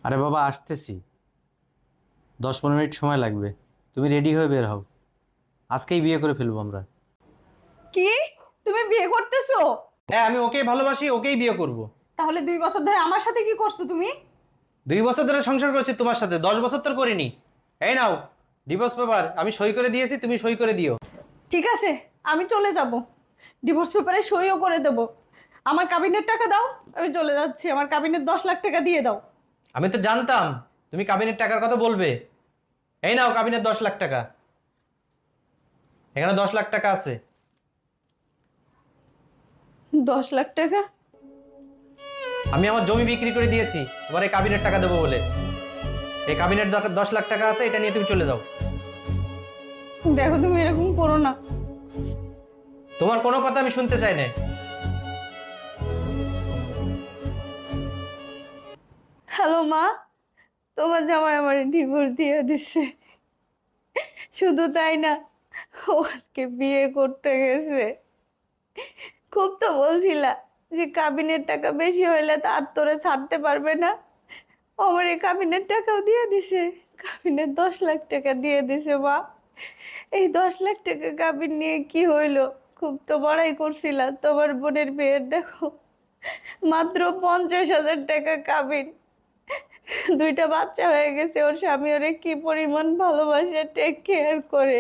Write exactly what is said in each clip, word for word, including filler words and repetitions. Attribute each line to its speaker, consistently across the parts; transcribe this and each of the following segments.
Speaker 1: আরে বাবা আসতেছি, দশ পনেরো মিনিট সময় লাগবে। তুমি রেডি হয়ে বের হও, আজকেই বিয়ে করে ফেলবো আমরা।
Speaker 2: কি? তুমি বিয়ে করতেছো?
Speaker 1: হ্যাঁ, আমি ওকেই ভালোবাসি, ওকেই বিয়ে করব।
Speaker 2: তাহলে দুই বছর ধরে আমার সাথে কি করছো তুমি?
Speaker 1: দুই বছর ধরে সংসার করছি তোমার সাথে, দশ বছর তো করিনি। এই নাও ডিভোর্স পেপার, আমি সই করে দিয়েছি, তুমি সই করে দিও।
Speaker 2: ঠিক আছে, আমি চলে যাব, ডিভোর্স পেপারে সইও করে দেব। আমার কাবিনের টাকা দাও, আমি চলে যাচ্ছি। আমার কাবিনের দশ লাখ টাকা দিয়ে দাও।
Speaker 1: আমি তো জানতাম তুমি কাবিনের টাকার কথা বলবে। এই নাও কাবিনের দশ লাখ টাকা, এখানে দশ লাখ টাকা আছে।
Speaker 2: দশ লাখ টাকা?
Speaker 1: আমি আমার জমি বিক্রি করে দিয়েছি তোমার এই কাবিনের টাকা দেবো বলে। এই কাবিনের দশ লাখ টাকা আছে, এটা নিয়ে তুমি চলে যাও।
Speaker 2: দেখো, তুমি এরকম করো না।
Speaker 1: তোমার কোনো কথা আমি শুনতে চাই না।
Speaker 2: হ্যালো মা, তোমার জামাই আমার ডিভোর্স দিয়ে দিছে। শুধু তাই না, ও আজকে বিয়ে করতে গেছে। খুব তো বলছিলা যে কাবিনের টাকা বেশি হইলে তার তোরে ছাড়তে পারবে না। ও আমার এই কাবিনের টাকাও দিয়ে দিছে, কাবিনের দশ লাখ টাকা দিয়ে দিছে মা। এই দশ লাখ টাকা কাবিন নিয়ে কি হইলো? খুব তো বড়াই করছিলা তোমার বোনের বিয়ের, দেখো মাত্র পঞ্চাশ হাজার টাকা কাবিন। দুইটা বাচ্চা হয়ে গেছে, ওর স্বামী ওরে কি পরিমাণ ভালোবাসে, টেক কেয়ার করে।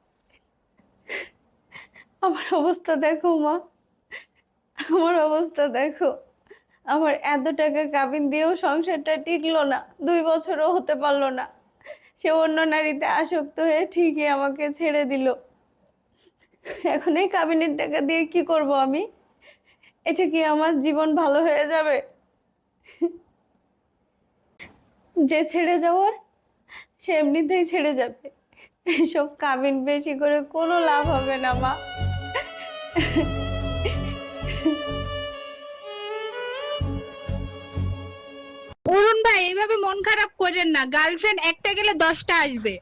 Speaker 2: আমার অবস্থা দেখো মা, আমার অবস্থা দেখো। আমার এত টাকা কাবিন দিয়েও সংসারটা টিকলো না, দুই বছরও হতে পারলো না। সে অন্য নারীতে আসক্ত হয়ে ঠিকই আমাকে ছেড়ে দিল। এখন এই কাবিনের টাকা দিয়ে কি করব আমি? এটা কি আমার জীবন ভালো হয়ে যাবে? যে ছেড়ে যাওয়ার সে এমনিতেই ছেড়ে যাবে। এসব কাবিন বেশি করে কোনো লাভ হবে না মা।
Speaker 3: অরুণ ভাই, এইভাবে মন খারাপ করেন না, গার্লফ্রেন্ড একটা গেলে দশটা আসবে।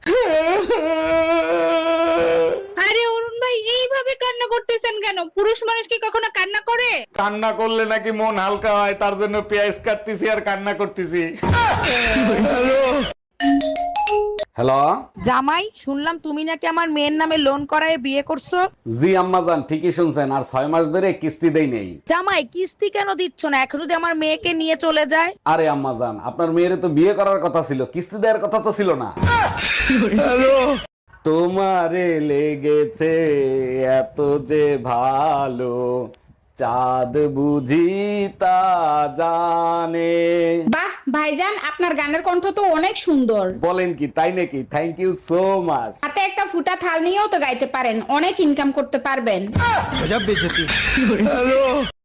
Speaker 3: আরে অরুণ ভাই, এইভাবে কান্না করতেছেন কেন? পুরুষ মানুষ কি কখনো কান্না করে?
Speaker 4: কান্না করলে নাকি মন হালকা হয়, তার জন্য পেঁয়াজ কাটতেছি আর কান্না করতেছি। হ্যালো।
Speaker 5: জামাই, শুনলাম তুমি নাকি আমার মেয়ের নামে লোন করায় বিয়ে করছো।
Speaker 4: জি আম্মাজান, ঠিকই শুনছেন, আর ছয় মাস ধরে কিস্তি দেই নেই।
Speaker 5: জামাই, কিস্তি কেন দিচ্ছ না? এখন যদি আমার মেয়েকে নিয়ে চলে যায়।
Speaker 4: আরে আম্মাজান, আপনার মেয়ের তো বিয়ে করার কথা ছিল, কিস্তি দেওয়ার কথা তো ছিল না। তোমারে লেগেছে এত যে ভালো, চাঁদ বুঝি তা জানে।
Speaker 3: বাহ ভাইজান, আপনার গানের কণ্ঠ তো অনেক সুন্দর।
Speaker 4: বলেন কি, তাই নাকি? Thank you so much.
Speaker 3: হাতে একটা ফুটা থাল নিয়েও তো গাইতে পারেন, অনেক ইনকাম করতে পারবেন।